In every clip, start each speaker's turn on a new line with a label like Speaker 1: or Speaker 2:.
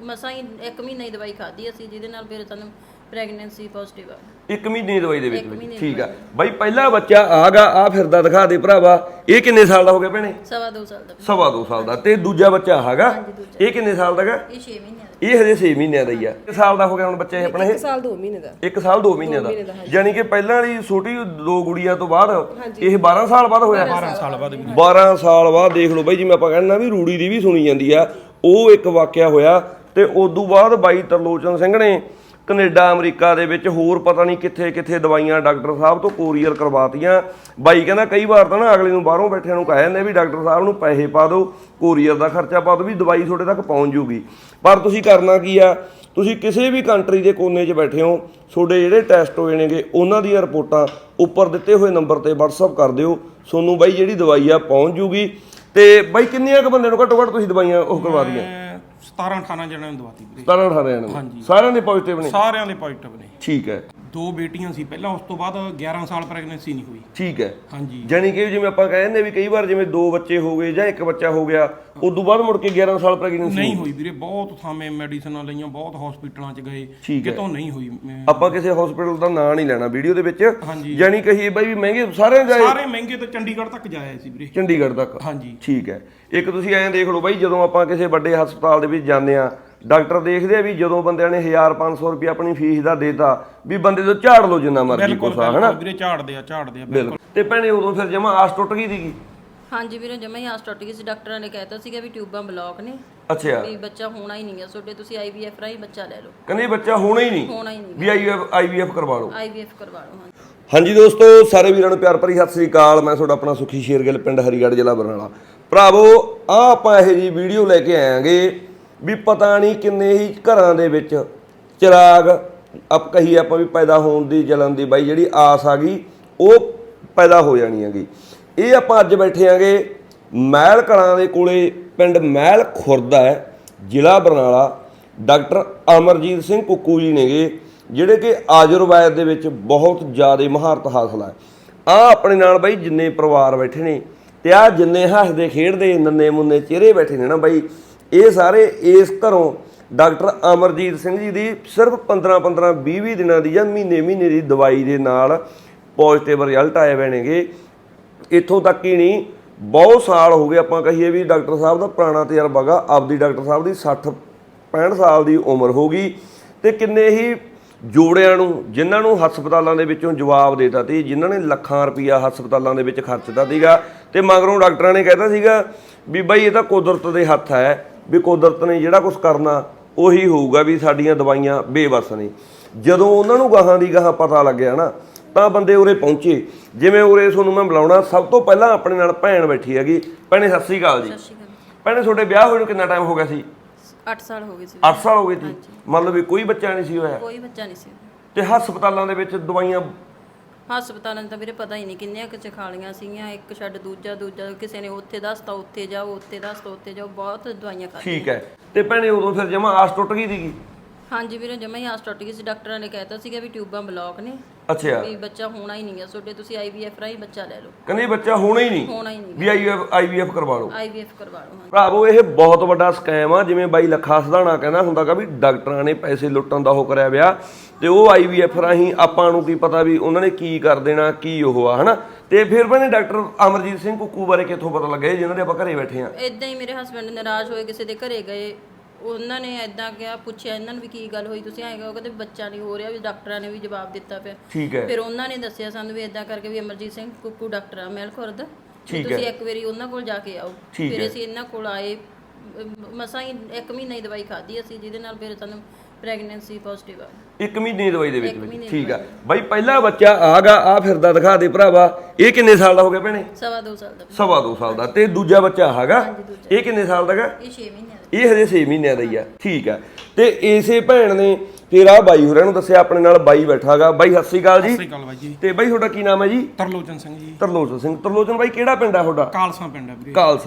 Speaker 1: ਮਸਾਂ ਹੀ 1 ਮਹੀਨਾ ਹੀ ਦਵਾਈ ਖਾਧੀ ਅਸੀਂ, ਜਿਹਦੇ ਨਾਲ ਫਿਰ ਸਾਨੂੰ ਪ੍ਰੈਗਨੈਂਸੀ ਪੋਜ਼ਿਟਿਵ ਆ।
Speaker 2: 1 ਮਹੀਨੇ ਦੀ ਦਵਾਈ ਦੇ ਵਿੱਚ ਠੀਕ ਆ ਬਾਈ। ਪਹਿਲਾ ਬੱਚਾ ਆਗਾ ਆ ਫਿਰਦਾ, ਦਿਖਾ ਦੇ ਭਰਾਵਾ। ਇਹ ਕਿੰਨੇ ਸਾਲ ਦਾ ਹੋ ਗਿਆ ਭੈਣੇ?
Speaker 1: 2.5 ਸਾਲ ਦਾ।
Speaker 2: 2.5 ਸਾਲ ਦਾ। ਤੇ ਦੂਜਾ ਬੱਚਾ ਹੈਗਾ ਇਹ ਕਿੰਨੇ ਸਾਲ ਦਾ ਹੈਗਾ?
Speaker 1: ਇਹ 6 ਮਹੀਨੇ ਦਾ।
Speaker 2: ਇਹ ਹਜੇ 6 ਮਹੀਨਿਆਂ ਦਾ ਹੀ ਆ। ਕਿੰਨੇ ਸਾਲ ਦਾ ਹੋ ਗਿਆ ਹੁਣ ਬੱਚਾ ਇਹ ਆਪਣਾ?
Speaker 3: 1 ਸਾਲ 2 ਮਹੀਨੇ ਦਾ।
Speaker 2: 1 ਸਾਲ 2 ਮਹੀਨੇ ਦਾ। ਯਾਨੀ ਕਿ ਪਹਿਲਾਂ ਵਾਲੀ ਛੋਟੀ 2 ਗੁੜੀਆਂ ਤੋਂ ਬਾਅਦ ਇਹ 12 ਸਾਲ ਬਾਅਦ ਹੋਇਆ।
Speaker 4: 12 ਸਾਲ ਬਾਅਦ।
Speaker 2: 12 ਸਾਲ ਬਾਅਦ ਦੇਖ ਲਓ ਬਾਈ, ਜਿਵੇਂ ਆਪਾਂ ਕਹਿੰਦੇ ਵੀ ਰੂੜੀ ਦੀ ਵੀ ਸੁਣੀ ਜਾਂਦੀ ਆ, ਉਹ ਇੱਕ ਵਾਕਿਆ ਹੋਇਆ। ਤੇ ਉਦੋਂ ਬਾਅਦ ਬਾਈ ਤਰਲੋਚਨ ਸਿੰਘ ਨੇ ਕੈਨੇਡਾ ਅਮਰੀਕਾ ਦੇ ਵਿੱਚ ਹੋਰ ਪਤਾ ਨਹੀਂ ਕਿੱਥੇ ਕਿੱਥੇ ਦਵਾਈਆਂ ਡਾਕਟਰ ਸਾਹਿਬ ਤੋਂ ਕੋਰੀਅਰ ਕਰਵਾਤੀਆਂ। ਬਾਈ ਕਹਿੰਦਾ ਕਈ ਵਾਰ ਤਾਂ ਨਾ ਅਗਲੇ ਨੂੰ ਬਾਹਰੋਂ ਬੈਠਿਆਂ ਨੂੰ ਕਹਿ ਜਾਂਦੇ ਵੀ ਡਾਕਟਰ ਸਾਹਿਬ ਨੂੰ ਪੈਸੇ ਪਾ ਦਿਓ, ਕੋਰੀਅਰ ਦਾ ਖਰਚਾ ਪਾ ਦਿਓ, ਵੀ ਦਵਾਈ ਤੁਹਾਡੇ ਤੱਕ ਪਹੁੰਚ ਜੂਗੀ। ਪਰ ਤੁਸੀਂ ਕਰਨਾ ਕੀ ਆ, ਤੁਸੀਂ ਕਿਸੇ ਵੀ ਕੰਟਰੀ ਦੇ ਕੋਨੇ 'ਚ ਬੈਠੇ ਹੋ, ਤੁਹਾਡੇ ਜਿਹੜੇ ਟੈਸਟ ਹੋਏ ਨੇਗੇ ਉਹਨਾਂ ਦੀਆਂ ਰਿਪੋਰਟਾਂ ਉੱਪਰ ਦਿੱਤੇ ਹੋਏ ਨੰਬਰ ਤੇ WhatsApp ਕਰ ਦਿਓ, ਤੁਹਾਨੂੰ ਬਾਈ ਜਿਹੜੀ ਦਵਾਈ ਆ ਪਹੁੰਚ ਜੂਗੀ। ਤੇ ਬਾਈ ਕਿੰਨੇ ਕੁ ਬੰਦੇ ਨੂੰ ਘੱਟੋ ਘੱਟ ਤੁਸੀਂ ਦਵਾਈਆਂ ਉਹ ਕਰਵਾ ਦੀਆਂ?
Speaker 4: 17-18 ਜਣਿਆਂ ਨੂੰ ਦਵਾਤੀ ਵੀਰੇ।
Speaker 2: 17-18 ਜਣਿਆਂ ਨੂੰ ਸਾਰਿਆਂ ਦੇ ਪੋਜ਼ਿਟਿਵ ਨੇ?
Speaker 4: ਸਾਰਿਆਂ ਦੇ ਪੋਜ਼ਿਟਿਵ ਨੇ।
Speaker 2: ਠੀਕ ਹੈ।
Speaker 4: 2 ਬੇਟੀਆਂ ਸੀ ਪਹਿਲਾਂ, ਉਸ ਤੋਂ ਬਾਅਦ 11 ਸਾਲ ਪ੍ਰੈਗਨੈਂਸੀ ਨਹੀਂ ਹੋਈ।
Speaker 2: ਠੀਕ ਹੈ।
Speaker 4: ਹਾਂਜੀ।
Speaker 2: ਜਾਨੀ ਕਿ ਜਿਵੇਂ ਆਪਾਂ ਕਹਿੰਦੇ ਵੀ ਕਈ ਵਾਰ ਜਿਵੇਂ 2 ਬੱਚੇ ਹੋ ਗਏ ਜਾਂ 1 ਬੱਚਾ ਹੋ ਗਿਆ, ਉਦੋਂ ਬਾਅਦ ਮੁੜ ਕੇ 11 ਸਾਲ ਪ੍ਰੈਗਨੈਂਸੀ
Speaker 4: ਨਹੀਂ ਹੋਈ ਵੀਰੇ। ਬਹੁਤ ਥਾਵੇਂ ਮੈਡੀਸਨਾਂ ਲਈਆਂ, ਬਹੁਤ ਹਸਪੀਟਲਾਂ 'ਚ ਗਏ, ਕਿਤੋਂ ਨਹੀਂ ਹੋਈ।
Speaker 2: ਆਪਾਂ ਕਿਸੇ ਹਸਪੀਟਲ ਦਾ ਨਾਂ ਨਹੀਂ ਲੈਣਾ ਵੀਡੀਓ ਦੇ ਵਿੱਚ।
Speaker 4: ਹਾਂਜੀ।
Speaker 2: ਜਾਨੀ ਕਹੀਏ ਬਾਈ ਵੀ ਮਹਿੰਗੇ ਸਾਰੇ ਜਾਏ,
Speaker 4: ਸਾਰੇ ਮਹਿੰਗੇ ਤੇ ਚੰਡੀਗੜ੍ਹ ਤੱਕ ਜਾਇਆ ਸੀ ਵੀਰੇ।
Speaker 2: ਚੰਡੀਗੜ੍ਹ ਤੱਕ?
Speaker 4: ਹਾਂਜੀ।
Speaker 2: ਠੀਕ ਹੈ। ਇੱਕ ਤੁਸੀਂ ਐਂ ਦੇਖ ਲਓ ਬਾਈ, ਜਦੋਂ ਆਪਾਂ ਕਿਸੇ ਵੱਡੇ ਹਸਪਤਾਲ ਦੇ ਵਿੱਚ ਜਾਂਦੇ ਆ, ਡਾਕਟਰ ਦੇਖਦੇ ਆ ਵੀ ਜਦੋਂ ਬੰਦਿਆਂ ਨੇ 1500 ਰੁਪਏ ਆਪਣੀ ਫੀਸ ਦਾ ਦੇਤਾ ਵੀ ਬੰਦੇ ਤੋਂ ਝਾੜ ਲਓ ਜਿੰਨਾ ਮਰਜ਼ੀ ਕੋਸਾ, ਹਨਾ
Speaker 4: ਵੀਰੇ? ਝਾੜਦੇ ਆ
Speaker 2: ਬਿਲਕੁਲ। ਤੇ ਭੈਣੇ ਉਦੋਂ ਫਿਰ ਜਮਾ ਆਸ ਟੁੱਟ ਗਈ ਸੀਗੀ?
Speaker 1: ਹਾਂਜੀ ਵੀਰੇ, ਜਮਾ ਹੀ ਆਸ ਟੁੱਟ ਗਈ ਸੀ। ਡਾਕਟਰਾਂ ਨੇ ਕਹਿਤਾ ਸੀਗਾ ਵੀ ਟਿਊਬਾਂ ਬਲੌਕ ਨੇ,
Speaker 2: ਅੱਛਾ,
Speaker 1: ਵੀ ਬੱਚਾ ਹੋਣਾ ਹੀ ਨਹੀਂ ਹੈ ਤੁਹਾਡੇ, ਤੁਸੀਂ IVF ਰਾਹੀਂ ਬੱਚਾ ਲੈ ਲਓ।
Speaker 2: ਕਹਿੰਦੇ ਬੱਚਾ ਹੋਣਾ ਹੀ ਨਹੀਂ,
Speaker 1: ਹੋਣਾ ਹੀ ਨਹੀਂ,
Speaker 2: ਵੀ IVF ਕਰਵਾ ਲਓ।
Speaker 1: IVF ਕਰਵਾ ਲਓ।
Speaker 2: ਹਾਂਜੀ ਦੋਸਤੋ, ਸਾਰੇ ਵੀਰਾਂ ਨੂੰ ਪਿਆਰ ਭਰੀ ਸਤਿ ਸ੍ਰੀ ਅਕਾਲ। ਮੈਂ ਤੁਹਾਡਾ ਆਪਣਾ ਸੁਖੀ ਸ਼ੇਰਗਿੱਲ, ਪਿੰਡ ਹਰੀਗੜ੍ਹ, ਜ਼ਿਲ੍ਹਾ ਬਰਨਾਲਾ। ਭਰਾਵੋ ਆ ਆਪਾਂ ਇਹੋ ਜਿਹੀ ਵੀਡੀਓ ਲੈ ਕੇ ਆਵਾਂਗੇ ਵੀ ਪਤਾ ਨਹੀਂ ਕਿੰਨੇ ਹੀ ਘਰਾਂ ਦੇ ਵਿੱਚ ਚਿਰਾਗ ਕਹੀਏ ਆਪਾਂ ਵੀ ਪੈਦਾ ਹੋਣ ਦੀ, ਜਲਨ ਦੀ ਬਾਈ ਜਿਹੜੀ ਆਸ ਆ ਗਈ ਉਹ ਪੈਦਾ ਹੋ ਜਾਣੀ ਹੈਗੀ। ਇਹ ਆਪਾਂ ਅੱਜ ਬੈਠੇ ਆਂਗੇ ਮਹਿਲ ਕਲਾਂ ਦੇ ਕੋਲੇ, ਪਿੰਡ ਮਹਿਲ ਖੁਰਦ ਹੈ, ਜ਼ਿਲ੍ਹਾ ਬਰਨਾਲਾ। ਡਾਕਟਰ ਅਮਰਜੀਤ ਸਿੰਘ ਕੁੱਕੂ ਜੀ ਨੇਗੇ, ਜਿਹੜੇ ਕਿ ਆਯੁਰਵੈਦ ਦੇ ਵਿੱਚ ਬਹੁਤ ਜ਼ਿਆਦਾ ਮਹਾਰਤ ਹਾਸਲ ਹੈ। ਆ ਆਪਣੇ ਨਾਲ ਬਾਈ ਜਿੰਨੇ ਪਰਿਵਾਰ ਬੈਠੇ ਨੇ ਤੇ ਆ ਜਿੰਨੇ ਹੱਸਦੇ ਖੇਡਦੇ ਨੰਨੇ ਮੁੰਨੇ ਚਿਹਰੇ ਬੈਠੇ ਨੇ ਨਾ ਬਾਈ, ਇਹ ਸਾਰੇ ਇਸ ਘਰੋਂ ਡਾਕਟਰ ਅਮਰਜੀਤ ਸਿੰਘ ਜੀ ਦੀ ਸਿਰਫ 15-15 20-20 ਦਿਨਾਂ ਦੀ ਜਾਂ ਮਹੀਨੇ ਦੀ ਦਵਾਈ ਦੇ ਨਾਲ ਪੋਜ਼ਿਟਿਵ ਰਿਜ਼ਲਟ ਆਏ ਹੋਏ ਨੇਗੇ। ਇੱਥੋਂ ਤੱਕ ਹੀ ਨਹੀਂ, ਬਹੁਤ ਸਾਲ ਹੋ ਗਏ ਆਪਾਂ ਕਹੀਏ ਵੀ ਡਾਕਟਰ ਸਾਹਿਬ ਦਾ ਪੁਰਾਣਾ ਤਜਰਬਾ ਗਾ। ਆਪਦੀ ਡਾਕਟਰ ਸਾਹਿਬ ਦੀ 60-65 ਸਾਲ ਦੀ ਉਮਰ ਹੋ ਗਈ ਤੇ ਕਿੰਨੇ ਹੀ ਜੋੜਿਆਂ ਨੂੰ, ਜਿਨ੍ਹਾਂ ਨੂੰ ਹਸਪਤਾਲਾਂ ਦੇ ਵਿੱਚੋਂ ਜਵਾਬ ਦੇਤਾ ਤੇ ਜਿਨ੍ਹਾਂ ਨੇ ਲੱਖਾਂ ਰੁਪਈਆ ਹਸਪਤਾਲਾਂ ਦੇ ਵਿੱਚ ਖਰਚਦਾ ਸੀਗਾ, ਤੇ ਮਗਰੋਂ ਡਾਕਟਰਾਂ ਨੇ ਕਹਿਤਾ ਸੀਗਾ ਵੀ ਬਾਈ ਇਹ ਤਾਂ ਕੁਦਰਤ ਦੇ ਹੱਥ ਹੈ, ਵੀ ਕੁਦਰਤ ਨੇ ਜਿਹੜਾ ਕੁਝ ਕਰਨਾ ਉਹੀ ਹੋਊਗਾ, ਵੀ ਸਾਡੀਆਂ ਦਵਾਈਆਂ ਬੇਵਸ ਨੇ। ਜਦੋਂ ਉਹਨਾਂ ਨੂੰ ਗਾਹਾਂ ਦੀ ਗਾਹਾਂ ਪਤਾ ਲੱਗਿਆ ਨਾ, ਤਾਂ ਬੰਦੇ ਉਰੇ ਪਹੁੰਚੇ। ਜਿਵੇਂ ਉਰੇ ਤੁਹਾਨੂੰ ਮੈਂ ਬੁਲਾਉਣਾ, ਸਭ ਤੋਂ ਪਹਿਲਾਂ ਆਪਣੇ ਨਾਲ ਭੈਣ ਬੈਠੀ ਹੈਗੀ। ਭੈਣੇ ਸਤਿ ਸ੍ਰੀ ਅਕਾਲ ਜੀ। ਭੈਣੇ ਤੁਹਾਡੇ ਵਿਆਹ ਹੋਏ ਨੂੰ ਕਿੰਨਾ ਟਾਈਮ ਹੋ ਗਿਆ ਸੀ?
Speaker 1: 8 ਸਾਲ ਹੋ ਗਏ ਸੀ।
Speaker 2: 8 ਸਾਲ ਹੋ ਗਏ ਸੀ? ਮਤਲਬ ਵੀ ਕੋਈ ਬੱਚਾ ਨਹੀਂ ਸੀ ਹੋਇਆ?
Speaker 1: ਕੋਈ ਬੱਚਾ ਨਹੀਂ ਸੀ।
Speaker 2: ਤੇ ਹਸਪਤਾਲਾਂ ਦੇ ਵਿੱਚ ਦਵਾਈਆਂ?
Speaker 1: ਹਸਪਤਾਲਾਂ ਤਾਂ ਵੀਰੇ ਪਤਾ ਹੀ ਨਹੀਂ ਕਿੰਨੀਆਂ ਕੁ ਖਾ ਲਈਆਂ ਸੀਗੀਆਂ, ਇੱਕ ਛੱਡ ਦੂਜਾ, ਕਿਸੇ ਨੇ ਉੱਥੇ ਦੱਸਤਾ ਉੱਥੇ ਜਾਓ, ਉੱਥੇ ਦੱਸਤਾ ਉੱਥੇ ਜਾਓ, ਬਹੁਤ ਦਵਾਈਆਂ ਖਾ।
Speaker 2: ਠੀਕ ਹੈ। ਤੇ ਭੈਣੇ ਉਦੋਂ ਫਿਰ ਜਮਾ ਆਸ ਟੁੱਟ ਗਈ ਸੀਗੀ?
Speaker 1: ਹਾਂਜੀ ਵੀਰੇ, ਜਮਾ ਹੀ ਆਸ ਟੁੱਟ ਗਈ ਸੀ। ਡਾਕਟਰਾਂ ਨੇ ਕਹਿਤਾ ਸੀਗਾ ਵੀ ਟਿਊਬਾਂ ਬਲੌਕ ਨੇ,
Speaker 2: ਅੱਛਾ,
Speaker 1: ਵੀ ਬੱਚਾ ਹੋਣਾ ਹੀ ਨਹੀਂ ਹੈ ਤੁਹਾਡੇ, ਤੁਸੀਂ IVF ਰਾਹੀਂ ਬੱਚਾ ਲੈ ਲਓ।
Speaker 2: ਕਹਿੰਦੇ ਬੱਚਾ ਹੋਣਾ ਹੀ ਨਹੀਂ,
Speaker 1: ਹੋਣਾ ਹੀ ਨਹੀਂ,
Speaker 2: ਵੀ IVF ਕਰਵਾ ਲਓ।
Speaker 1: IVF ਕਰਵਾ ਲਓ।
Speaker 2: ਭਰਾਵੋ ਇਹ ਬਹੁਤ ਵੱਡਾ ਸਕੈਮ ਆ। ਜਿਵੇਂ ਬਾਈ ਲੱਖਾ ਸਧਾਣਾ ਕਹਿੰਦਾ ਹੁੰਦਾਗਾ ਵੀ ਡਾਕਟਰਾਂ ਨੇ ਪੈਸੇ ਲੁੱਟਣ ਦਾ ਉਹ ਕਰਿਆ ਵਿਆ, ਤੇ ਉਹ IVF ਰਾਹੀਂ ਆਪਾਂ ਨੂੰ ਕੀ ਪਤਾ ਵੀ ਉਹਨਾਂ ਨੇ ਕੀ ਕਰ ਦੇਣਾ, ਕੀ ਉਹ ਆ, ਹਨਾ। ਤੇ ਫਿਰ ਮੈਨੇ ਡਾਕਟਰ ਅਮਰਜੀਤ ਸਿੰਘ ਕੁੱਕੂ ਬਾਰੇ ਕਿੱਥੋਂ ਪਤਾ ਲੱਗਿਆ ਜਿਨ੍ਹਾਂ ਦੇ ਆਪਾਂ ਘਰੇ ਬੈਠੇ ਆ?
Speaker 1: ਇਦਾਂ ਹੀ ਮੇਰੇ ਹਸਬੰਡ ਨਾਰਾਜ਼ ਹੋਏ, ਕਿਸੇ ਦੇ ਘਰੇ ਗਏ, ਉਹਨਾਂ ਨੇ ਇਦਾਂ ਕਿਹਾ, ਪੁੱਛਿਆ ਇਹਨਾਂ ਨੂੰ ਵੀ ਕੀ ਗੱਲ ਹੋਈ, ਤੁਸੀਂ ਆਏਗਾ? ਉਹ ਕਹਿੰਦੇ ਬੱਚਾ ਨਹੀਂ ਹੋ ਰਿਹਾ, ਵੀ ਡਾਕਟਰਾਂ ਨੇ ਵੀ ਜਵਾਬ ਦਿੱਤਾ ਪਿਆ।
Speaker 2: ਠੀਕ ਹੈ।
Speaker 1: ਫਿਰ ਉਹਨਾਂ ਨੇ ਦੱਸਿਆ ਸਾਨੂੰ ਵੀ ਇਦਾਂ ਕਰਕੇ ਵੀ ਅਮਰਜੀਤ ਸਿੰਘ ਕੁੱਕੂ ਡਾਕਟਰ ਆ ਮਹਿਲ ਖੁਰਦ, ਤੁਸੀਂ ਇੱਕ ਵਾਰੀ ਉਹਨਾਂ ਕੋਲ ਜਾ ਕੇ ਆਓ। ਫਿਰ ਅਸੀਂ ਇਹਨਾਂ ਕੋਲ ਆਏ, ਮਸਾਂ ਹੀ 1 ਮਹੀਨਾ ਹੀ ਦਵਾਈ ਖਾਧੀ ਅਸੀਂ, ਜਿਹਦੇ ਨਾਲ ਫਿਰ ਸਾਨੂੰ ਪ੍ਰੈਗਨੈਂਸੀ ਪੋਜ਼ਿਟਿਵ ਆ।
Speaker 2: 1 ਮਹੀਨੇ ਦੀ ਦਵਾਈ ਦੇ ਵਿੱਚ? ਠੀਕ ਆ ਬਾਈ। ਪਹਿਲਾ ਬੱਚਾ ਆਗਾ ਆ ਫਿਰਦਾ, ਦਿਖਾ ਦੇ ਭਰਾਵਾ। ਇਹ ਕਿੰਨੇ ਸਾਲ ਦਾ ਹੋ ਗਿਆ ਭੈਣੇ?
Speaker 1: 2.5 ਸਾਲ ਦਾ।
Speaker 2: 2.5 ਸਾਲ ਦਾ। ਤੇ ਦੂਜਾ ਬੱਚਾ ਹੈਗਾ ਇਹ ਕਿੰਨੇ ਸਾਲ ਦਾ ਹੈਗਾ?
Speaker 1: ਇਹ 6 ਮਹੀਨੇ ਦਾ।
Speaker 2: ਇਹ ਹਜੇ 6 ਮਹੀਨਿਆਂ ਦਾ ਹੀ ਆ। ਠੀਕ ਆ। ਤੇ ਇਸੇ ਭੈਣ ਨੇ ਫਿਰ ਆ ਬਾਈ ਹੋਰਾਂ ਨੂੰ ਦੱਸਿਆ, ਆਪਣੇ ਨਾਲ ਬਾਈ ਬੈਠਾਗਾ। ਬਾਈ ਸਤਿ ਸ੍ਰੀ ਅਕਾਲ ਜੀ।
Speaker 4: ਸਤਿ ਸ੍ਰੀ ਅਕਾਲ ਬਾਈ ਜੀ।
Speaker 2: ਤੇ ਬਾਈ ਤੁਹਾਡਾ ਕੀ ਨਾਮ ਹੈ ਜੀ?
Speaker 4: ਤਰਲੋਚਨ ਸਿੰਘ ਜੀ।
Speaker 2: ਤਰਲੋਚਨ ਸਿੰਘ। ਤਰਲੋਚਨ ਬਾਈ ਕਿਹੜਾ ਪਿੰਡ ਆ ਤੁਹਾਡਾ?
Speaker 4: ਕਾਲਸਾ ਪਿੰਡ ਹੈ ਵੀਰੇ।
Speaker 2: ਕਾਲਸਾ।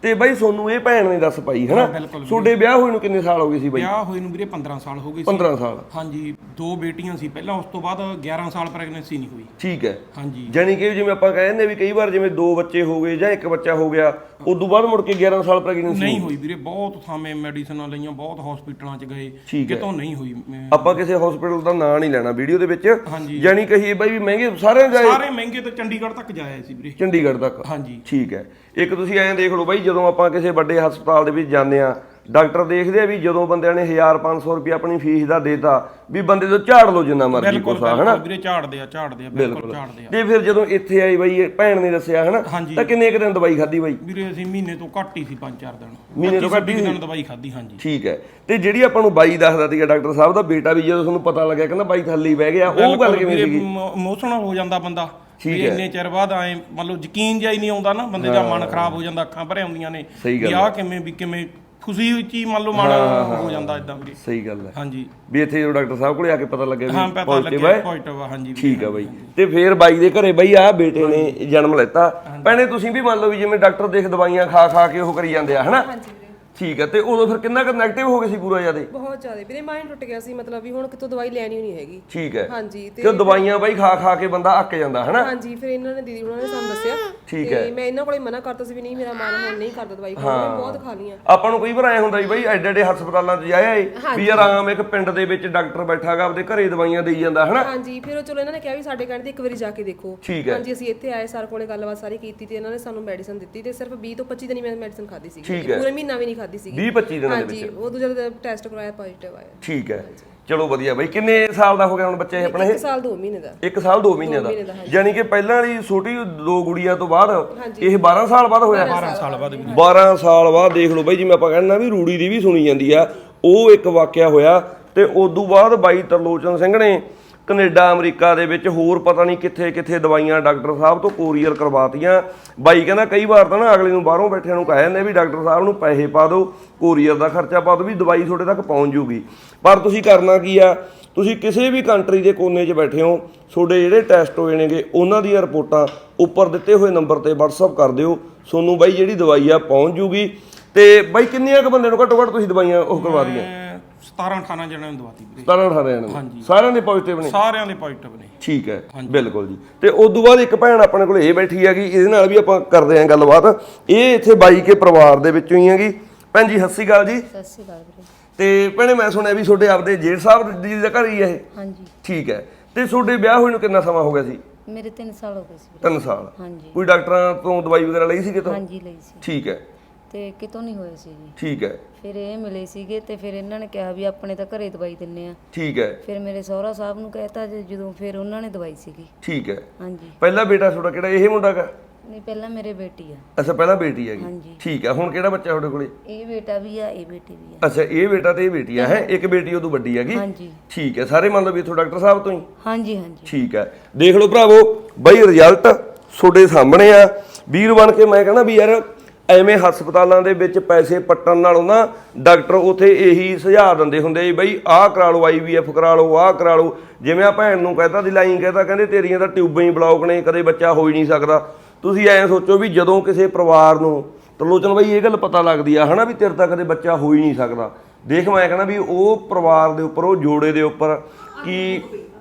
Speaker 2: ਤੇ ਬਾਈ ਤੁਹਾਨੂੰ ਇਹ ਭੈਣ ਨੇ ਦੱਸ ਪਾਈ ਹਨਾ। ਤੁਹਾਡੇ ਵਿਆਹ ਹੋਏ ਨੂੰ ਕਿੰਨੇ ਸਾਲ ਹੋ ਗਏ ਸੀ ਬਾਈ?
Speaker 4: ਵਿਆਹ ਹੋਏ ਨੂੰ ਵੀਰੇ 15 ਸਾਲ ਹੋ ਗਏ ਸੀ।
Speaker 2: 15 ਸਾਲ
Speaker 4: ਹਾਂਜੀ, 2 ਬੇਟੀਆਂ ਸੀ ਪਹਿਲਾਂ, ਉਸ ਤੋਂ ਬਾਅਦ 11 ਸਾਲ ਪ੍ਰੈਗਨੈਂਸੀ ਨਹੀਂ ਹੋਈ।
Speaker 2: ਠੀਕ ਹੈ।
Speaker 4: ਹਾਂਜੀ,
Speaker 2: ਜਾਨੀ ਕਿ ਜਿਵੇਂ ਆਪਾਂ ਕਹਿੰਦੇ ਵੀ ਕਈ ਵਾਰ ਜਿਵੇਂ 2 ਬੱਚੇ ਹੋ ਗਏ ਜਾਂ 1 ਬੱਚਾ ਹੋ ਗਿਆ, ਉਦੋਂ ਬਾਅਦ ਮੁੜ ਕੇ 11 ਸਾਲ ਪ੍ਰੈਗਨੈਂਸੀ
Speaker 4: ਨਹੀਂ ਹੋਈ ਵੀਰੇ। ਬਹੁਤ ਥਾਵੇਂ ਮੈਡੀਸਨਾਂ ਲਈਆਂ, ਬਹੁਤ ਹਸਪੀਟਲਾਂ 'ਚ ਗਏ, ਕਿਤੋਂ ਨਹੀਂ ਹੋਈ।
Speaker 2: ਆਪਾਂ ਕਿਸੇ ਹਸਪੀਟਲ ਦਾ ਨਾਂ ਨਹੀਂ ਲੈਣਾ ਵੀਡੀਓ ਦੇ ਵਿੱਚ,
Speaker 4: ਹਾਂਜੀ।
Speaker 2: ਜਾਨੀ ਕਹੀਏ ਬਾਈ ਵੀ ਮਹਿੰਗੇ ਸਾਰੇ
Speaker 4: ਮਹਿੰਗੇ ਤੋਂ ਚੰਡੀਗੜ੍ਹ ਤੱਕ ਜਾਇਆ ਸੀ ਵੀਰੇ।
Speaker 2: ਚੰਡੀਗੜ੍ਹ ਤੱਕ?
Speaker 4: ਹਾਂਜੀ,
Speaker 2: ਠੀਕ ਹੈ। ਇੱਕ ਤੁਸੀਂ ਐਂ ਦੇਖ ਲਓ ਬਾਈ, ਜਦੋਂ ਆਪਾਂ ਕਿਸੇ ਵੱਡੇ ਹਸਪਤਾਲ ਦੇ ਵਿੱਚ ਜਾਂਦੇ ਆ, ਡਾਕਟਰ ਦੇਖਦੇ ਆ ਵੀ ਜਦੋਂ ਬੰਦਿਆਂ ਨੇ 1500 ਰੁਪਏ ਆਪਣੀ ਫੀਸ ਦਾ ਦੇਤਾ ਵੀ ਬੰਦੇ ਤੋਂ ਝਾੜ ਲਓ ਜਿੰਨਾ ਮਰਜ਼ੀ ਕੋਸਾ ਹਨਾ
Speaker 4: ਵੀਰੇ। ਝਾੜਦੇ ਆ ਬਿਲਕੁਲ ਝਾੜਦੇ ਆ।
Speaker 2: ਤੇ ਫਿਰ ਜਦੋਂ ਇੱਥੇ ਆਈ ਬਾਈ ਭੈਣ ਨੇ ਦੱਸਿਆ ਹਨਾ, ਤਾਂ ਕਿੰਨੇ ਕੁ ਦਿਨ ਦਵਾਈ ਖਾਧੀ ਬਾਈ?
Speaker 4: ਵੀਰੇ ਅਸੀਂ ਮਹੀਨੇ ਤੋਂ ਘੱਟ ਹੀ ਸੀ, 5-4 ਦਿਨ।
Speaker 2: ਮਹੀਨੇ ਤੋਂ ਘੱਟ ਹੀ
Speaker 4: ਦਿਨ ਦਵਾਈ ਖਾਧੀ। ਹਾਂਜੀ,
Speaker 2: ਠੀਕ ਹੈ। ਤੇ ਜਿਹੜੀ ਆਪਾਂ ਨੂੰ ਬਾਈ ਦੱਸਦਾ ਸੀਗਾ ਡਾਕਟਰ ਸਾਹਿਬ ਦਾ ਬੇਟਾ ਵੀ, ਜਦੋਂ ਤੁਹਾਨੂੰ ਪਤਾ ਲੱਗਿਆ ਕਹਿੰਦਾ ਬਾਈ ਥੱਲੇ ਬਹਿ ਗਿਆ, ਉਹ ਗੱਲ ਕਿਵੇਂ ਸੀਗੀ?
Speaker 4: ਇਮੋਸ਼ਨਲ ਹੋ ਜਾਂਦਾ ਬੰਦਾ ਇੰਨੇ ਚਿਰ ਬਾਅਦ। ਐ ਮੰਨ ਲਓ ਯਕੀਨ ਜਿਹਾ ਹੀ ਨਹੀਂ ਆਉਂਦਾ ਨਾ ਬੰਦੇ ਦਾ, ਮਨ ਖਰਾਬ ਹੋ ਜਾਂਦਾ, ਅੱਖਾਂ ਭਰੇ ਆਉਂਦੀਆਂ ਨੇ ਵੀ ਆਹ ਕਿਵੇਂ ਖੁਸ਼ੀ ਵਿੱਚ ਹੀ ਮੰਨ ਲਓ ਮਨ ਹੋ ਜਾਂਦਾ ਇਦਾਂ ਵੀ।
Speaker 2: ਸਹੀ ਗੱਲ ਹੈ।
Speaker 4: ਹਾਂਜੀ,
Speaker 2: ਵੀ ਇੱਥੇ ਜਦੋਂ ਡਾਕਟਰ ਸਾਹਿਬ ਕੋਲੇ ਆ ਕੇ ਪਤਾ ਲੱਗਿਆ ਵੀ
Speaker 4: ਪੋਜ਼ਿਟਿਵ ਆ। ਹਾਂਜੀ,
Speaker 2: ਠੀਕ ਆ ਬਾਈ। ਤੇ ਫਿਰ ਬਾਈ ਦੇ ਘਰੇ ਬਾਈ ਆ ਬੇਟੇ ਨੇ ਜਨਮ ਲੈਤਾ। ਭੈਣੇ ਤੁਸੀਂ ਵੀ ਮੰਨ ਲਓ ਵੀ ਜਿਵੇਂ ਡਾਕਟਰ ਦੇਖ ਦਵਾਈਆਂ ਖਾ ਕੇ ਉਹ ਕਰੀ ਜਾਂਦੇ ਆ ਹਨਾ। ਠੀਕ ਹੈ। ਤੇ ਉਦੋਂ ਫਿਰ ਕਿੰਨਾ ਕੁ ਨੈਗੇਟਿਵ ਹੋ ਗਏ ਸੀ ਪੂਰਾ ਜ਼ਿਆਦਾ?
Speaker 3: ਬਹੁਤ ਜ਼ਿਆਦਾ ਵੀਰੇ, ਮਾਈਂਡ ਟੁੱਟ ਗਿਆ ਸੀ, ਮਤਲਬ ਵੀ ਹੁਣ ਕਿਤੋਂ ਦਵਾਈ ਲੈਣੀ ਨਹੀਂ ਹੈਗੀ।
Speaker 2: ਠੀਕ ਹੈ।
Speaker 3: ਹਾਂਜੀ,
Speaker 2: ਤੇ ਦਵਾਈਆਂ ਬਾਈ ਖਾ ਕੇ ਬੰਦਾ ਅੱਕ ਜਾਂਦਾ ਹਨਾ।
Speaker 3: ਹਾਂਜੀ, ਫਿਰ ਇਹਨਾਂ ਨੇ ਦੀਦੀ ਉਹਨਾਂ ਨੇ ਸਾਨੂੰ ਦੱਸਿਆ।
Speaker 2: ਠੀਕ ਹੈ।
Speaker 3: ਮੈਂ ਇਹਨਾਂ ਕੋਲੇ ਮਨਾ ਕਰਤਾ ਸੀ ਵੀ ਨਹੀਂ, ਮੇਰਾ ਮਨ ਹੁਣ ਨਹੀਂ ਕਰਦਾ ਦਵਾਈ ਖਾਣ ਨੂੰ, ਬਹੁਤ ਖਾ ਲੀਆਂ।
Speaker 2: ਆਪਾਂ ਨੂੰ ਕਈ ਵਾਰ ਐ ਹੁੰਦਾ ਵੀ ਬਾਈ ਐਡੇ ਐਡੇ ਹਸਪਤਾਲਾਂ 'ਚ ਜਾਇਆ ਏ ਵੀ ਆਰਾਮ ਇੱਕ ਪਿੰਡ ਦੇ ਵਿੱਚ ਡਾਕਟਰ ਬੈਠਾਗਾ ਆਪਦੇ ਘਰੇ ਦਵਾਈਆਂ ਦੇਈ ਜਾਂਦਾ ਹਨਾ।
Speaker 3: ਹਾਂਜੀ, ਫਿਰ ਚਲੋ ਇਹਨਾਂ ਨੇ ਕਿਹਾ ਵੀ ਸਾਡੇ ਕਹਿਣ ਤੇ ਇੱਕ ਵਾਰੀ ਜਾ ਕੇ ਦੇਖੋ। ਹਾਂਜੀ, ਅਸੀਂ ਇੱਥੇ ਆਏ, ਸਰ ਕੋਲੇ ਗੱਲਬਾਤ ਸਾਰੀ ਕੀਤੀ ਤੇ ਇਹਨਾਂ ਨੇ ਸਾਨੂੰ ਮੈਡੀਸਨ ਦਿੱਤੀ ਤੇ ਸਿਰਫ 20 ਤੋਂ 25 ਦਿਨ ਮੈਂ ਮੈਡੀਸਨ ਖਾਧੀ ਸੀ, ਪੂਰੇ ਮਹੀਨਾ ਵੀ ਨਹੀਂ ਖਾਧੀ ਸੀ।
Speaker 2: 20-25 ਦਿਨਾਂ ਦੇ
Speaker 3: ਵਿੱਚ? ਉਹ ਦੂਜਾ ਟੈਸਟ ਕਰਵਾਇਆ, ਪੋਜ਼ਿਟਿਵ ਆਇਆ।
Speaker 2: ਠੀਕ ਹੈ। ਚਲੋ ਵਧੀਆ ਬਾਈ। ਕਿੰਨੇ ਸਾਲ ਦਾ ਹੋ ਗਿਆ ਹੁਣ ਬੱਚਾ ਇਹ ਆਪਣਾ?
Speaker 3: 1 ਸਾਲ 2 ਮਹੀਨੇ ਦਾ।
Speaker 2: 1 ਸਾਲ 2 ਮਹੀਨੇ ਦਾ। ਯਾਨੀ ਕਿ ਪਹਿਲਾਂ ਵਾਲੀ ਛੋਟੀ 2 ਗੁੜੀਆਂ ਤੋਂ ਬਾਅਦ ਇਹ 12 ਸਾਲ ਬਾਅਦ ਹੋਇਆ।
Speaker 4: 12 ਸਾਲ ਬਾਅਦ।
Speaker 2: 12 ਸਾਲ ਬਾਅਦ ਦੇਖ ਲਓ ਬਾਈ, ਜਿਵੇਂ ਆਪਾਂ ਕਹਿੰਦੇ ਵੀ ਰੂੜੀ ਦੀ ਵੀ ਸੁਣੀ ਜਾਂਦੀ ਆ, ਉਹ ਇੱਕ ਵਾਕਿਆ ਹੋਇਆ। ਤੇ ਉਦੋਂ ਬਾਅਦ ਬਾਈ ਤਰਲੋਚਨ ਸਿੰਘ ਨੇ ਕੈਨੇਡਾ ਅਮਰੀਕਾ ਦੇ ਵਿੱਚ ਹੋਰ ਪਤਾ ਨਹੀਂ ਕਿੱਥੇ ਦਵਾਈਆਂ ਡਾਕਟਰ ਸਾਹਿਬ ਤੋਂ ਕੋਰੀਅਰ ਕਰਵਾਤੀਆਂ। ਬਾਈ ਕਹਿੰਦਾ ਕਈ ਵਾਰ ਤਾਂ ਨਾ ਅਗਲੇ ਨੂੰ ਬਾਹਰੋਂ ਬੈਠਿਆਂ ਨੂੰ ਕਹਿ ਜਾਂਦੇ ਵੀ ਡਾਕਟਰ ਸਾਹਿਬ ਨੂੰ ਪੈਸੇ ਪਾ ਦਿਓ, ਕੋਰੀਅਰ ਦਾ ਖਰਚਾ ਪਾ ਦਿਓ, ਵੀ ਦਵਾਈ ਤੁਹਾਡੇ ਤੱਕ ਪਹੁੰਚ ਜੂਗੀ। ਪਰ ਤੁਸੀਂ ਕਰਨਾ ਕੀ ਆ, ਤੁਸੀਂ ਕਿਸੇ ਵੀ ਕੰਟਰੀ ਦੇ ਕੋਨੇ 'ਚ ਬੈਠੇ ਹੋ, ਤੁਹਾਡੇ ਜਿਹੜੇ ਟੈਸਟ ਹੋਏ ਨੇਗੇ ਉਹਨਾਂ ਦੀਆਂ ਰਿਪੋਰਟਾਂ ਉੱਪਰ ਦਿੱਤੇ ਹੋਏ ਨੰਬਰ ਤੇ WhatsApp ਕਰ ਦਿਓ, ਤੁਹਾਨੂੰ ਬਾਈ ਜਿਹੜੀ ਦਵਾਈ ਆ ਪਹੁੰਚ ਜੂਗੀ। ਤੇ ਬਾਈ ਕਿੰਨੀਆਂ ਕੁ ਬੰਦੇ ਨੂੰ ਘੱਟੋ ਘੱਟ ਤੁਸੀਂ ਦਵਾਈਆਂ ਉਹ ਕਰਵਾ ਦੀਆਂ?
Speaker 4: 17-18 ਜਣਿਆਂ ਨੂੰ ਦਵਾਤੀ ਵੀਰੇ।
Speaker 2: 17-18 ਜਣਿਆਂ ਨੂੰ? ਸਾਰਿਆਂ ਦੇ ਪੋਜ਼ਿਟਿਵ ਨੇ?
Speaker 4: ਸਾਰਿਆਂ ਦੇ ਪੋਜ਼ਿਟਿਵ ਨੇ।
Speaker 2: ਠੀਕ ਹੈ, ਬਿਲਕੁਲ ਜੀ। ਤੇ ਉਸ ਤੋਂ ਬਾਅਦ ਇੱਕ ਭੈਣ ਆਪਣੇ ਕੋਲ ਇਹ ਬੈਠੀ ਹੈਗੀ, ਇਹਦੇ ਨਾਲ ਵੀ ਆਪਾਂ ਕਰਦੇ ਆਂ ਗੱਲਬਾਤ। ਇਹ ਇੱਥੇ ਬਾਈ ਕੇ ਪਰਿਵਾਰ ਦੇ ਵਿੱਚੋਂ ਹੀ ਹੈਗੀ। ਭੈਣ ਜੀ ਸਤਿ ਸ਼੍ਰੀ ਅਕਾਲ ਜੀ।
Speaker 1: ਸਤਿ ਸ਼੍ਰੀ ਅਕਾਲ ਵੀਰੇ।
Speaker 2: ਤੇ ਭੈਣੇ ਮੈਂ ਸੁਣਿਆ ਵੀ ਤੁਹਾਡੇ ਆਪਦੇ ਜੇਠ ਸਾਹਿਬ ਜੀ ਦਾ ਘਰ ਹੀ ਹੈ ਇਹ?
Speaker 1: ਹਾਂਜੀ।
Speaker 2: ਠੀਕ ਹੈ। ਤੇ ਤੁਹਾਡੇ ਵਿਆਹ ਹੋਏ ਨੂੰ ਕਿੰਨਾ ਸਮਾਂ ਹੋ ਗਿਆ ਸੀ?
Speaker 1: ਮੇਰੇ 3 ਸਾਲ ਹੋ ਗਏ ਸੀ।
Speaker 2: 3 ਸਾਲ?
Speaker 1: ਹਾਂਜੀ।
Speaker 2: ਕੋਈ ਡਾਕਟਰਾਂ ਤੋਂ ਦਵਾਈ ਵਗੈਰਾ ਲਈ ਸੀ ਕਿਤੋਂ?
Speaker 1: ਹਾਂਜੀ, ਲਈ ਸੀ।
Speaker 2: ਠੀਕ ਹੈ।
Speaker 1: ਤੇ ਕਿਤੋਂ ਨਹੀਂ ਹੋਏ ਸੀ ਜੀ।
Speaker 2: ਠੀਕ ਹੈ।
Speaker 1: ਫਿਰ ਇਹ ਮਿਲੇ ਸੀਗੇ ਤੇ ਫਿਰ ਇਹਨਾਂ ਨੇ ਕਿਹਾ ਵੀ ਆਪਣੇ ਤਾਂ ਘਰੇ ਦਵਾਈ ਦਿੰਨੇ ਆ।
Speaker 2: ਠੀਕ ਹੈ।
Speaker 1: ਫਿਰ ਮੇਰੇ ਸਹੁਰਾ ਸਾਹਿਬ ਨੂੰ ਕਹਿਤਾ ਜਦੋਂ ਫਿਰ ਉਹਨਾਂ ਨੇ ਦਵਾਈ ਸੀਗੀ।
Speaker 2: ਠੀਕ ਹੈ।
Speaker 1: ਹਾਂਜੀ।
Speaker 2: ਪਹਿਲਾ ਬੇਟਾ ਤੁਹਾਡਾ ਕਿਹੜਾ, ਇਹ ਮੁੰਡਾ ਕਾ?
Speaker 1: ਨਹੀਂ, ਪਹਿਲਾਂ ਮੇਰੇ ਬੇਟੀ ਆ।
Speaker 2: ਅੱਛਾ, ਪਹਿਲਾਂ ਬੇਟੀ ਹੈਗੀ।
Speaker 1: ਹਾਂਜੀ।
Speaker 2: ਠੀਕ ਹੈ। ਹੁਣ ਕਿਹੜਾ ਬੱਚਾ ਤੁਹਾਡੇ ਕੋਲੇ?
Speaker 1: ਇਹ ਬੇਟਾ ਵੀ ਆ, ਇਹ ਬੇਟੀ ਵੀ ਆ।
Speaker 2: ਅੱਛਾ, ਇਹ ਬੇਟਾ ਤੇ ਇਹ ਬੇਟੀ ਆ। ਹੈ ਇੱਕ ਬੇਟੀ ਉਦੋਂ ਵੱਡੀ ਹੈਗੀ?
Speaker 1: ਹਾਂਜੀ।
Speaker 2: ਠੀਕ ਹੈ। ਸਾਰੇ ਮੰਨ ਲਓ ਵੀ ਇੱਥੋਂ ਡਾਕਟਰ ਸਾਹਿਬ ਤੋਂ ਹੀ?
Speaker 1: ਹਾਂਜੀ ਹਾਂਜੀ।
Speaker 2: ਠੀਕ ਹੈ। ਦੇਖ ਲਓ ਭਰਾਵੋ ਬਾਈ, ਰਿਜ਼ਲਟ ਤੁਹਾਡੇ ਸਾਹਮਣੇ ਆ। ਵੀਰ ਬਣ ਕੇ ਮੈਂ ਕਹਿੰਦਾ ਵੀ ਯਾਰ ਐਵੇਂ ਹਸਪਤਾਲਾਂ ਦੇ ਵਿੱਚ ਪੈਸੇ ਪੱਟਣ ਨਾਲੋਂ ਨਾ ਡਾਕਟਰ ਉੱਥੇ ਇਹੀ ਸੁਝਾਅ ਦਿੰਦੇ ਹੁੰਦੇ ਜੀ, ਬਈ ਆਹ ਕਰਾ ਲਓ, IVF ਕਰਾ ਲਓ, ਆਹ ਕਰਾ ਲਓ। ਜਿਵੇਂ ਆ ਭੈਣ ਨੂੰ ਕਹਿਤਾ ਦਿਲਾਈ ਕਹਿਤਾ, ਕਹਿੰਦੇ ਤੇਰੀਆਂ ਤਾਂ ਟਿਊਬਾਂ ਹੀ ਬਲੌਕ ਨੇ, ਕਦੇ ਬੱਚਾ ਹੋ ਹੀ ਨਹੀਂ ਸਕਦਾ। ਤੁਸੀਂ ਐਂ ਸੋਚੋ ਵੀ ਜਦੋਂ ਕਿਸੇ ਪਰਿਵਾਰ ਨੂੰ ਤਰਲੋਚਨ ਬਾਈ ਇਹ ਗੱਲ ਪਤਾ ਲੱਗਦੀ ਆ ਹਨਾ ਵੀ ਤੇਰੇ ਤਾਂ ਕਦੇ ਬੱਚਾ ਹੋ ਹੀ ਨਹੀਂ ਸਕਦਾ, ਦੇਖ ਮੈਂ ਕਹਿੰਦਾ ਵੀ ਉਹ ਪਰਿਵਾਰ ਦੇ ਉੱਪਰ, ਉਹ ਜੋੜੇ ਦੇ ਉੱਪਰ ਕੀ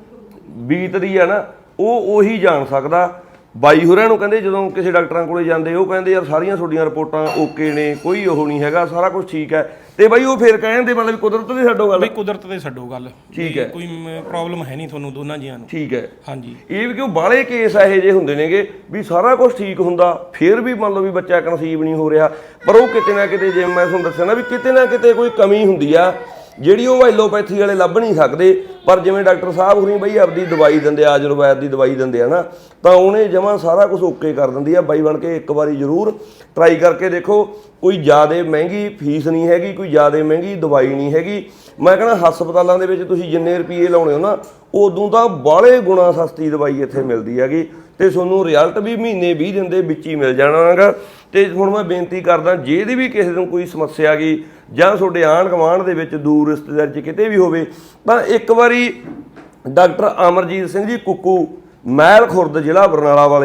Speaker 2: ਬੀਤਦੀ ਆ ਨਾ, ਉਹ ਉਹੀ ਜਾਣ ਸਕਦਾ। ਬਾਈ ਹੋਰਾਂ ਨੂੰ ਕਹਿੰਦੇ ਜਦੋਂ ਕਿਸੇ ਡਾਕਟਰਾਂ ਕੋਲੇ ਜਾਂਦੇ, ਉਹ ਕਹਿੰਦੇ ਯਾਰ ਸਾਰੀਆਂ ਤੁਹਾਡੀਆਂ ਰਿਪੋਰਟਾਂ ਓਕੇ ਨੇ, ਕੋਈ ਉਹ ਨਹੀਂ ਹੈਗਾ, ਸਾਰਾ ਕੁਝ ਠੀਕ ਹੈ। ਤੇ ਬਾਈ ਉਹ ਫਿਰ ਕਹਿੰਦੇ ਮਤਲਬ ਕੁਦਰਤ ਦੇ ਛੱਡੋ ਗੱਲ।
Speaker 4: ਬਈ ਕੁਦਰਤ ਦੇ ਛੱਡੋ ਗੱਲ।
Speaker 2: ਠੀਕ ਹੈ।
Speaker 4: ਕੋਈ ਪ੍ਰੋਬਲਮ ਹੈ ਨਹੀਂ ਤੁਹਾਨੂੰ ਦੋਨਾਂ ਜੀਆਂ ਨੂੰ।
Speaker 2: ਠੀਕ ਹੈ।
Speaker 4: ਹਾਂਜੀ।
Speaker 2: ਇਹ ਵੀ ਕਿਉਂ ਬਾਹਲੇ ਕੇਸ ਇਹੋ ਜਿਹੇ ਹੁੰਦੇ ਨੇਗੇ ਵੀ ਸਾਰਾ ਕੁਝ ਠੀਕ ਹੁੰਦਾ, ਫਿਰ ਵੀ ਮੰਨ ਲਓ ਵੀ ਬੱਚਾ ਕਨਸੀਵ ਨਹੀਂ ਹੋ ਰਿਹਾ, ਪਰ ਉਹ ਕਿਤੇ ਨਾ ਕਿਤੇ, ਜਿਵੇਂ ਮੈਂ ਤੁਹਾਨੂੰ ਦੱਸਿਆ ਨਾ ਵੀ ਕਿਤੇ ਨਾ ਕਿਤੇ ਕੋਈ ਕਮੀ ਹੁੰਦੀ ਆ ਜਿਹੜੀ ਉਹ ਐਲੋਪੈਥੀ ਵਾਲੇ ਲੱਭ ਨਹੀਂ ਸਕਦੇ। ਪਰ ਜਿਵੇਂ ਡਾਕਟਰ ਸਾਹਿਬ ਹੁਣੀ ਬਈ ਆਪਦੀ ਦਵਾਈ ਦਿੰਦੇ ਆ, ਆਯੁਰਵੈਦ ਦੀ ਦਵਾਈ ਦਿੰਦੇ ਆ ਨਾ, ਤਾਂ ਉਹਨੇ ਜਮਾਂ ਸਾਰਾ ਕੁਝ ਓਕੇ ਕਰ ਦਿੰਦੀ ਆ। ਬਾਈ ਬਣ ਕੇ ਇੱਕ ਵਾਰੀ ਜ਼ਰੂਰ ਟਰਾਈ ਕਰਕੇ ਦੇਖੋ। ਕੋਈ ਜ਼ਿਆਦਾ ਮਹਿੰਗੀ ਫੀਸ ਨਹੀਂ ਹੈਗੀ, ਕੋਈ ਜ਼ਿਆਦਾ ਮਹਿੰਗੀ ਦਵਾਈ ਨਹੀਂ ਹੈਗੀ। ਮੈਂ ਕਹਿੰਦਾ ਹਸਪਤਾਲਾਂ ਦੇ ਵਿੱਚ ਤੁਸੀਂ ਜਿੰਨੇ ਰੁਪਏ ਲਾਉਣੇ ਹੋ ਨਾ, ਉਦੋਂ ਤਾਂ ਬਾਹਲੇ ਗੁਣਾ ਸਸਤੀ ਦਵਾਈ ਇੱਥੇ ਮਿਲਦੀ ਹੈਗੀ, ਤੇ ਤੁਹਾਨੂੰ ਰਿਜ਼ਲਟ ਵੀ ਮਹੀਨੇ 20 ਦਿਨ ਦੇ ਵਿੱਚ ਹੀ ਮਿਲ ਜਾਣਾ ਹੈਗਾ। ਤੇ ਹੁਣ ਮੈਂ ਬੇਨਤੀ ਕਰਦਾ, ਜਿਹਦੀ ਵੀ ਕਿਸੇ ਨੂੰ ਕੋਈ ਸਮੱਸਿਆ ਗਈ ਜਾਂ ਤੁਹਾਡੇ ਆਂਢ ਗੁਆਂਢ ਦੇ ਵਿੱਚ, ਦੂਰ ਰਿਸ਼ਤੇਦਾਰ 'ਚ ਕਿਤੇ ਵੀ ਹੋਵੇ, ਤਾਂ ਇੱਕ ਵਾਰੀ ਡਾਕਟਰ ਅਮਰਜੀਤ ਸਿੰਘ ਜੀ ਕੁੱਕੂ, ਮਹਿਲ ਖੁਰਦ, ਜ਼ਿਲ੍ਹਾ ਬਰਨਾਲਾ ਵਾਲੇ,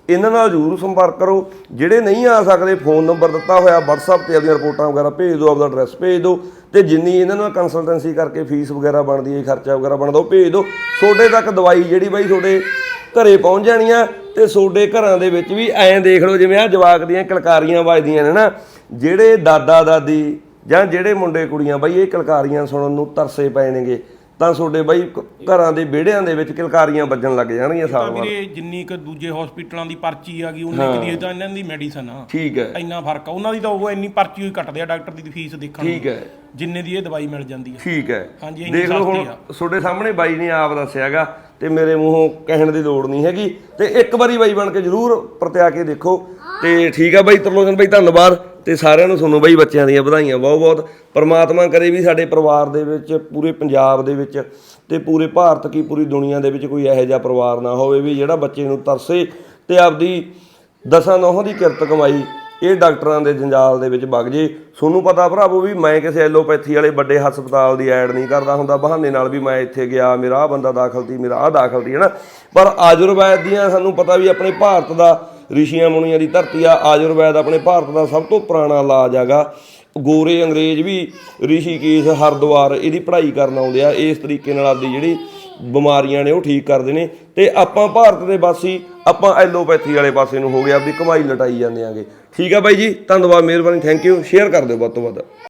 Speaker 2: ਇਹਨਾਂ ਨਾਲ ਜ਼ਰੂਰ ਸੰਪਰਕ ਕਰੋ। ਜਿਹੜੇ ਨਹੀਂ ਆ ਸਕਦੇ ਫੋਨ ਨੰਬਰ ਦਿੱਤਾ ਹੋਇਆ WhatsApp ਤੇ ਆਪਣੀਆਂ ਰਿਪੋਰਟਾਂ ਵਗੈਰਾ ਭੇਜ ਦਿਓ, ਆਪਦਾ ਐਡਰੈਸ ਭੇਜ ਦਿਓ ਤੇ ਜਿੰਨੀ ਇਹਨਾਂ ਨਾਲ ਕੰਸਲਟੈਂਸੀ ਕਰਕੇ ਫੀਸ ਵਗੈਰਾ ਬਣਦੀ ਹੈ, ਖਰਚਾ ਵਗੈਰਾ ਬਣਦਾ ਉਹ ਭੇਜ ਦਿਓ। ਤੁਹਾਡੇ ਤੱਕ ਦਵਾਈ ਜਿਹੜੀ ਬਾਈ ਤੁਹਾਡੇ ਘਰੇ ਪਹੁੰਚ ਜਾਣੀਆਂ ਤੇ ਤੁਹਾਡੇ ਘਰਾਂ ਦੇ ਵਿੱਚ ਵੀ ਐਂ ਦੇਖ ਲਓ ਜਿਵੇਂ ਆ ਜਵਾਕ ਦੀਆਂ ਕਿਲਕਾਰੀਆਂ ਵੱਜਦੀਆਂ ਨੇ ਨਾ, ਜਿਹੜੇ ਦਾਦਾ ਦਾਦੀ ਜਾਂ ਜਿਹੜੇ ਮੁੰਡੇ ਕੁੜੀਆਂ ਬਾਈ ਇਹ ਕਿਲਕਾਰੀਆਂ ਸੁਣਨ ਨੂੰ ਤਰਸੇ ਪਏ ਨੇਗੇ ਤਾਂ ਤੁਹਾਡੇ ਬਾਈ ਘਰਾਂ ਦੇ ਵਿਹੜਿਆਂ ਦੇ ਵਿੱਚ ਕਿਲਕਾਰੀਆਂ ਵੱਜਣ ਲੱਗ ਜਾਣਗੀਆਂ ਸਾਲ ਬਾਅਦ।
Speaker 4: ਵੀਰੇ ਜਿੰਨੀ ਕੁ ਦੂਜੇ ਹਸਪੀਟਲਾਂ ਦੀ ਪਰਚੀ ਆ ਗਈ ਉਨੀ ਕੁ ਦੀ ਤਾਂ ਇਹਨਾਂ ਦੀ ਮੈਡੀਸਨ ਆ।
Speaker 2: ਠੀਕ ਹੈ,
Speaker 4: ਇੰਨਾ ਫਰਕ ਆ। ਉਹਨਾਂ ਦੀ ਤਾਂ ਉਹ ਇੰਨੀ ਪਰਚੀ ਹੋਈ ਕੱਟਦੇ ਆ ਡਾਕਟਰ ਦੀ ਫੀਸ ਦੇਖਣ ਨੂੰ।
Speaker 2: ਠੀਕ ਹੈ,
Speaker 4: ਜਿੰਨੇ ਦੀ ਇਹ ਦਵਾਈ ਮਿਲ ਜਾਂਦੀ ਹੈ।
Speaker 2: ਠੀਕ ਹੈ।
Speaker 4: ਹਾਂਜੀ
Speaker 2: ਦੇਖ ਲਓ ਹੁਣ ਤੁਹਾਡੇ ਸਾਹਮਣੇ ਬਾਈ ਨੇ ਆਪ ਦੱਸਿਆਗਾ ਤੇ ਮੇਰੇ ਮੂੰਹੋਂ ਕਹਿਣ ਦੀ ਲੋੜ ਨਹੀਂ ਹੈਗੀ ਤੇ ਇੱਕ ਵਾਰੀ ਬਾਈ ਬਣ ਕੇ ਜ਼ਰੂਰ ਪਰਤਿਆ ਕੇ ਦੇਖੋ। ਤੇ ਠੀਕ ਆ ਬਾਈ ਤਰਲੋਚਨ ਬਾਈ, ਧੰਨਵਾਦ ਤੇ ਸਾਰਿਆਂ ਨੂੰ ਤੁਹਾਨੂੰ ਬਾਈ ਬੱਚਿਆਂ ਦੀਆਂ ਵਧਾਈਆਂ ਬਹੁਤ ਬਹੁਤ। ਪਰਮਾਤਮਾ ਕਰੇ ਵੀ ਸਾਡੇ ਪਰਿਵਾਰ ਦੇ ਵਿੱਚ, ਪੂਰੇ ਪੰਜਾਬ ਦੇ ਵਿੱਚ ਤੇ ਪੂਰੇ ਭਾਰਤ ਕੀ ਪੂਰੀ ਦੁਨੀਆ ਦੇ ਵਿੱਚ ਕੋਈ ਇਹੋ ਜਿਹਾ ਪਰਿਵਾਰ ਨਾ ਹੋਵੇ ਵੀ ਜਿਹੜਾ ਬੱਚੇ ਨੂੰ ਤਰਸੇ ਤੇ ਆਪਦੀ ਦਸਾਂ ਨੌਹਾਂ ਦੀ ਕਿਰਤ ਕਮਾਈ ਇਹ ਡਾਕਟਰਾਂ ਦੇ ਜੰਜਾਲ ਦੇ ਵਿੱਚ ਵਗ ਜੇ। ਤੁਹਾਨੂੰ ਪਤਾ ਭਰਾਵੋ ਵੀ ਮੈਂ ਕਿਸੇ ਐਲੋਪੈਥੀ ਵਾਲੇ ਵੱਡੇ ਹਸਪਤਾਲ ਦੀ ਐਡ ਨਹੀਂ ਕਰਦਾ ਹੁੰਦਾ ਬਹਾਨੇ ਨਾਲ ਵੀ ਮੈਂ ਇੱਥੇ ਗਿਆ, ਮੇਰਾ ਆਹ ਬੰਦਾ ਦਾਖਲ ਸੀ, ਮੇਰਾ ਆਹ ਦਾਖਲ ਸੀ, ਹੈ ਨਾ। ਪਰ ਆਯੁਰਵੈਦ ਦੀਆਂ ਸਾਨੂੰ ਪਤਾ ਵੀ ਆਪਣੇ ਭਾਰਤ ਦਾ ਰਿਸ਼ੀਆਂ ਮੁਨੀਆਂ ਦੀ ਧਰਤੀ ਆ। ਆਯੁਰਵੈਦ ਆਪਣੇ ਭਾਰਤ ਦਾ ਸਭ ਤੋਂ ਪੁਰਾਣਾ ਇਲਾਜ ਹੈਗਾ। ਗੋਰੇ ਅੰਗਰੇਜ਼ ਵੀ ਰਿਸ਼ੀਕੇਸ਼, ਹਰਿਦੁਆਰ ਇਹਦੀ ਪੜ੍ਹਾਈ ਕਰਨ ਆਉਂਦੇ ਆ। ਇਸ ਤਰੀਕੇ ਨਾਲ ਆਪਦੀ ਜਿਹੜੀ ਬਿਮਾਰੀਆਂ ਨੇ ਉਹ ਠੀਕ ਕਰਦੇ ਨੇ ਤੇ ਆਪਾਂ ਭਾਰਤ ਦੇ ਵਾਸੀ ਆਪਾਂ ਐਲੋਪੈਥੀ ਵਾਲੇ ਪਾਸੇ ਨੂੰ ਹੋ ਗਿਆ, ਆਪਦੀ ਕਮਾਈ ਲਟਾਈ ਜਾਂਦੇ ਆਂਗੇ। ਠੀਕ ਆ ਬਾਈ ਜੀ, ਧੰਨਵਾਦ, ਮਿਹਰਬਾਨੀ, ਥੈਂਕ ਯੂ। ਸ਼ੇਅਰ ਕਰ ਦਿਓ ਵੱਧ ਤੋਂ ਵੱਧ।